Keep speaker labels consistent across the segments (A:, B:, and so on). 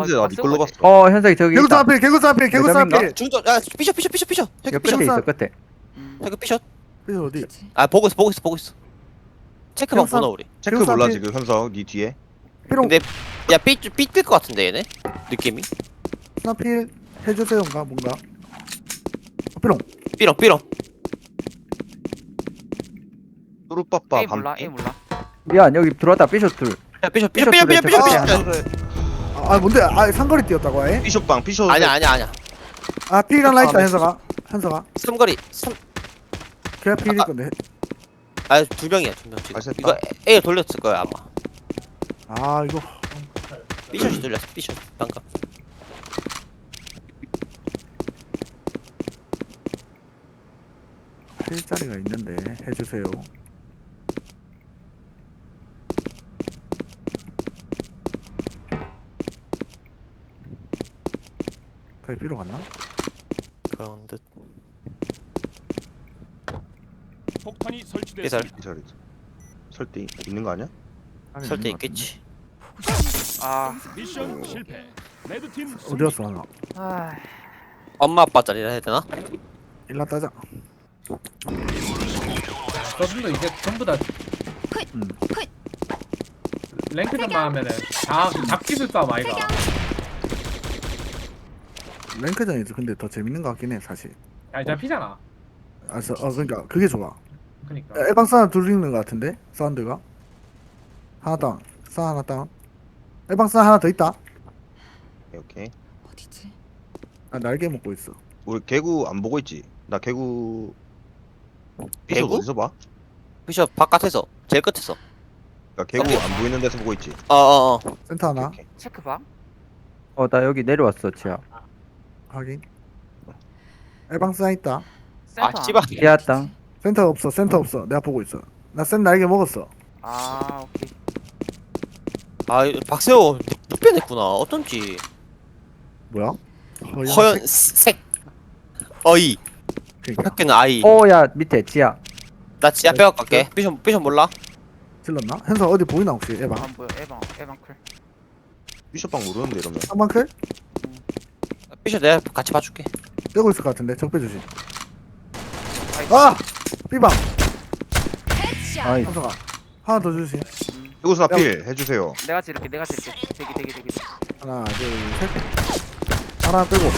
A: 근데 나 니걸로 봤어.
B: 현석이 저기
C: 개구스
B: 있다.
C: 앞에 개구스 앞에 개구스
B: 매점인가?
C: 앞에.
D: 중전 야 삐셔
B: 여
D: 저기
B: 끝에
D: 삐셔
B: 있어 끝에.
D: 저기 삐셔
C: 그래서 어디?
D: 아 보고 있어 체크만
C: 형사-
D: 보나 우리
A: 체크
C: 개구스
A: 몰라
C: 앞에-
A: 지금 현석 니 뒤에.
C: 삐롱
D: 근데 야삐뛸것 같은데 얘네 느낌이
C: 스나필 해주세요인가 뭔가. 삐롱.
D: 삐렁
A: 뚜루빠빠
E: A 몰라
A: 밤.
E: A 몰라.
B: 미안 여기 들어왔다 삐숏 둘.
D: 야 삐셔
C: 아 뭔데? 아 상거리 뛰었다고 해?
A: 피숍방 피숍.
D: 아니야
C: 아 필 하나 있다
D: 아,
C: 현석아.
D: 삼거리
C: 걔가 필일 건데.
D: 두 명이야 지금
A: 맛있다.
D: 이거 A 돌렸을 거야 아마
C: 아 이거
D: 삐셔이 돌렸어 삐셔 방금
C: 필자리가 있는데 해주세요. 거기 필요 갔나?
D: 그런 듯
F: 폭탄이
D: 삐설
F: 설치됐습니다.
A: 이 자리. 설대 있는 거 아니야?
C: 아니,
D: 설때
C: 있는 것
D: 있겠지
E: 아,
F: 미션 실패. 레드팀
C: 같은데. 어디 갔어 하나?
E: 아,
D: 엄마 아빠 자리라 해야 되나?
C: 일라 따자.
G: 저분도 이제 전부 다
C: 음.
G: 랭크전만 하면은 다그 잡기술 싸움 아이가.
C: 랭크전이지. 근데 더 재밌는 것 같긴 해 사실.
G: 아니 잡히잖아.
C: 알았어. 그러니까 그게 좋아.
G: 그니까.
C: 에방 사운드 둘 있는 것 같은데 사운드가 하나 다운. 사 하나 다운. 에방 사운드 하나 더 있다.
A: 오케이.
H: 어디지?
C: 아 날개 먹고 있어.
A: 우리 개구 안 보고 있지? 나 개구. 피숍
D: 개구?
A: 어디서 봐?
D: 삐셔 바깥에서 제일 끝에서
A: 그러니까 개구 안 보이는 데서 보고 있지.
D: 어어어
C: 센터 하나
A: 오케이.
E: 체크 봐.
B: 나 여기 내려왔어 지하.
C: 확인. 에방 사운드 있다.
E: 센터.
D: 아 씨발
B: 지하 땅.
C: 센터 없어. 센터 없어. 내가 보고 있어. 나 센 날개 먹었어.
E: 아, 오케이.
D: 아 박세호 눕혀냈구나 어쩐지
C: 뭐야?
D: 허연 색 어이
C: 그러니까
D: 학교는 아이
B: 야 밑에 지하.
D: 나 지하 빼고 갈게 삐셔 몰라?
C: 질렀나? 현서 어디 보이나 혹시 에방?
E: 안 보여. 에방 클.
A: 피숍방 모르는데 이러면.
C: 한방클?
D: 삐셔 내가 같이 봐줄게
C: 떼고 있을 것 같은데 적배 조심. 아! 삐방!
B: 아이
C: 현서가 하나 더 주심.
A: 개구스 앞필 해주세요.
E: 내가 지를게. 대기.
C: 하나 둘셋 하나 빼고.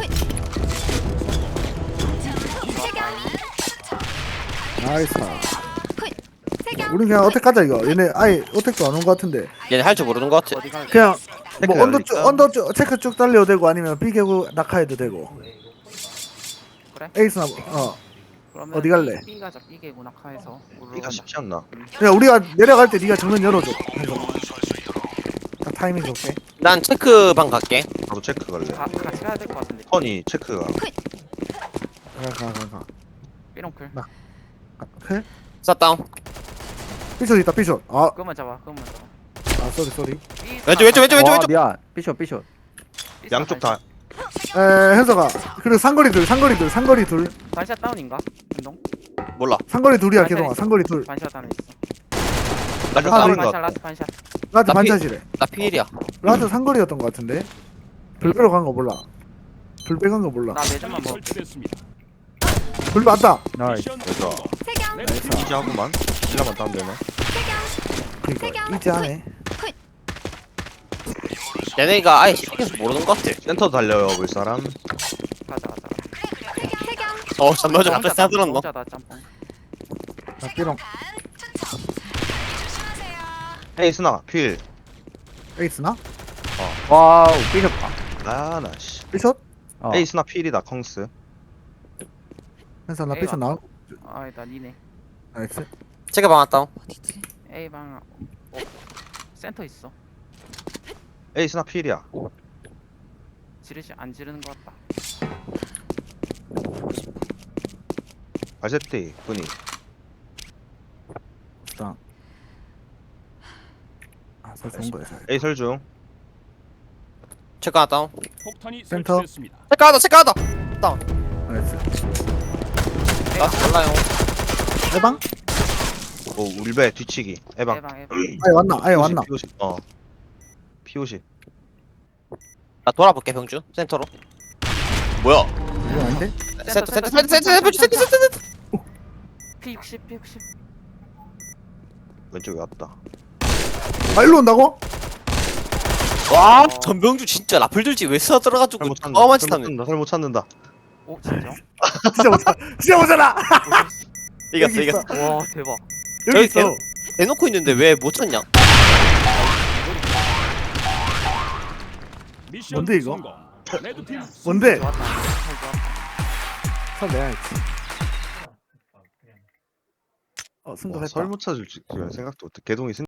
C: 나이스. 우린 그냥 어택 가자 이거. 얘네 아예 어택도 안 온 것 같은데.
D: 얘네 할 줄 모르는 것 같아
E: 어디 가?
C: 그냥 뭐
A: 체크 열릴까?
C: 언더 쭉 체크 쭉 달려도 되고 아니면 비개고 낙하해도 되고.
E: 그래?
C: 에이스나
E: 그러면
C: 어디 갈래?
E: B 가자. B개 문학화해서.
A: 이가 쉽지 않나?
C: 그냥 우리가 내려갈 때 네가 정면 열어줘. 현서. 딱 타이밍 좋게.
D: 난 체크방 갈게
A: 나도 체크 갈래.
E: 같이 가야 될 것 같은데.
A: 턴이 체크가.
C: 가.
E: 삐롱클.
C: 클?
D: 쌌다운.
C: 삐숏 있다, 삐숏. 아,
E: 그것만 잡아.
C: 쏘리.
D: 왼쪽.
B: 와 미안 삐쇼
A: 양쪽 다.
C: 현서가. 그리고 상거리 둘.
E: 반샷 다운인가? 운동?
D: 몰라.
C: 상거리 둘이야,
E: 반샷
C: 개동아.
E: 있어.
C: 상거리 둘.
E: 반샷 다운 있어.
D: 라스
C: 아,
D: 다운.
C: 이거.
E: 반샷 라스트 반샷.
C: 라트
D: 나
C: 반샷이래.
D: 나 필이야.
C: 라트 상거리였던 것 같은데. 불배로 간 거 몰라. 불배 간 거 몰라.
E: 나 매점만 먹어.
F: 설치됐습니다.
C: 불배 왔다.
B: 나이스
F: 미션
A: 그래서
F: 성공.
B: 아,
F: 레드팀
A: 이지하고만. 일라만 따면 되나?
C: 그니까, 이지하네.
D: 얘네가 아예 시켜서 모르는 것 같아.
A: 센터 달려요 볼 사람.
E: 가자.
D: 잠깐만 앞에 싸들었노.
E: 혼자다 짬뽕.
C: 나 삐롱.
A: 헤이 스나 필.
C: 에이스나?
B: 와우 삐쇼
A: 아나 씨.
C: 삐숏?
B: 어.
A: 헤이 스나 필이다 컹스.
C: 현서 나
E: 에이,
C: 삐숏 나와.
E: 아니다 니네.
C: 나이스.
D: 제가 방았다운.
E: A방 센터 있어.
A: 헤이 스나 필이야.
E: 지르지 안 지르는 것 같다.
A: 발세티 분이.
C: 일단. 설 좋은 거야. 설.
A: 헤이 설중.
D: 체크 하나 다운.
F: 폭탄이
C: 센터.
F: 설치됐습니다.
D: 체크 하나.
C: 나이스.
D: 나 몰라요.
C: 해방?
A: 오 울베 뒤치기. 에방.
E: A방
C: 아예 왔나?
A: P50. P50.
D: 나 돌아볼게 병주 센터로. 뭐야?
C: 이거 아닌데?
D: 센터.
E: P60
A: 왼쪽에 왔다.
C: 아, 일로 온다고?
D: 와 전병주 진짜 라플 들지 왜 쏴 들어가지고
A: 설못 찾는다.
D: 어마치 타네.
A: 설못 찾는다.
E: 오 진짜?
C: 진짜 못잖아.
D: 이겼어.
E: 와 대박.
C: 여기 있어.
D: 계속- 대놓고 있는데 왜 못 찾냐?
F: 미션
C: 뭔데, 이거?
F: 성공. 레드팀
C: 뭔데?
E: 좋았다. 잘 좋았다.
C: 설 내야지. 승도
A: 와,
C: 했다.
A: 설못 찾을 줄 생각도 못해. 개동이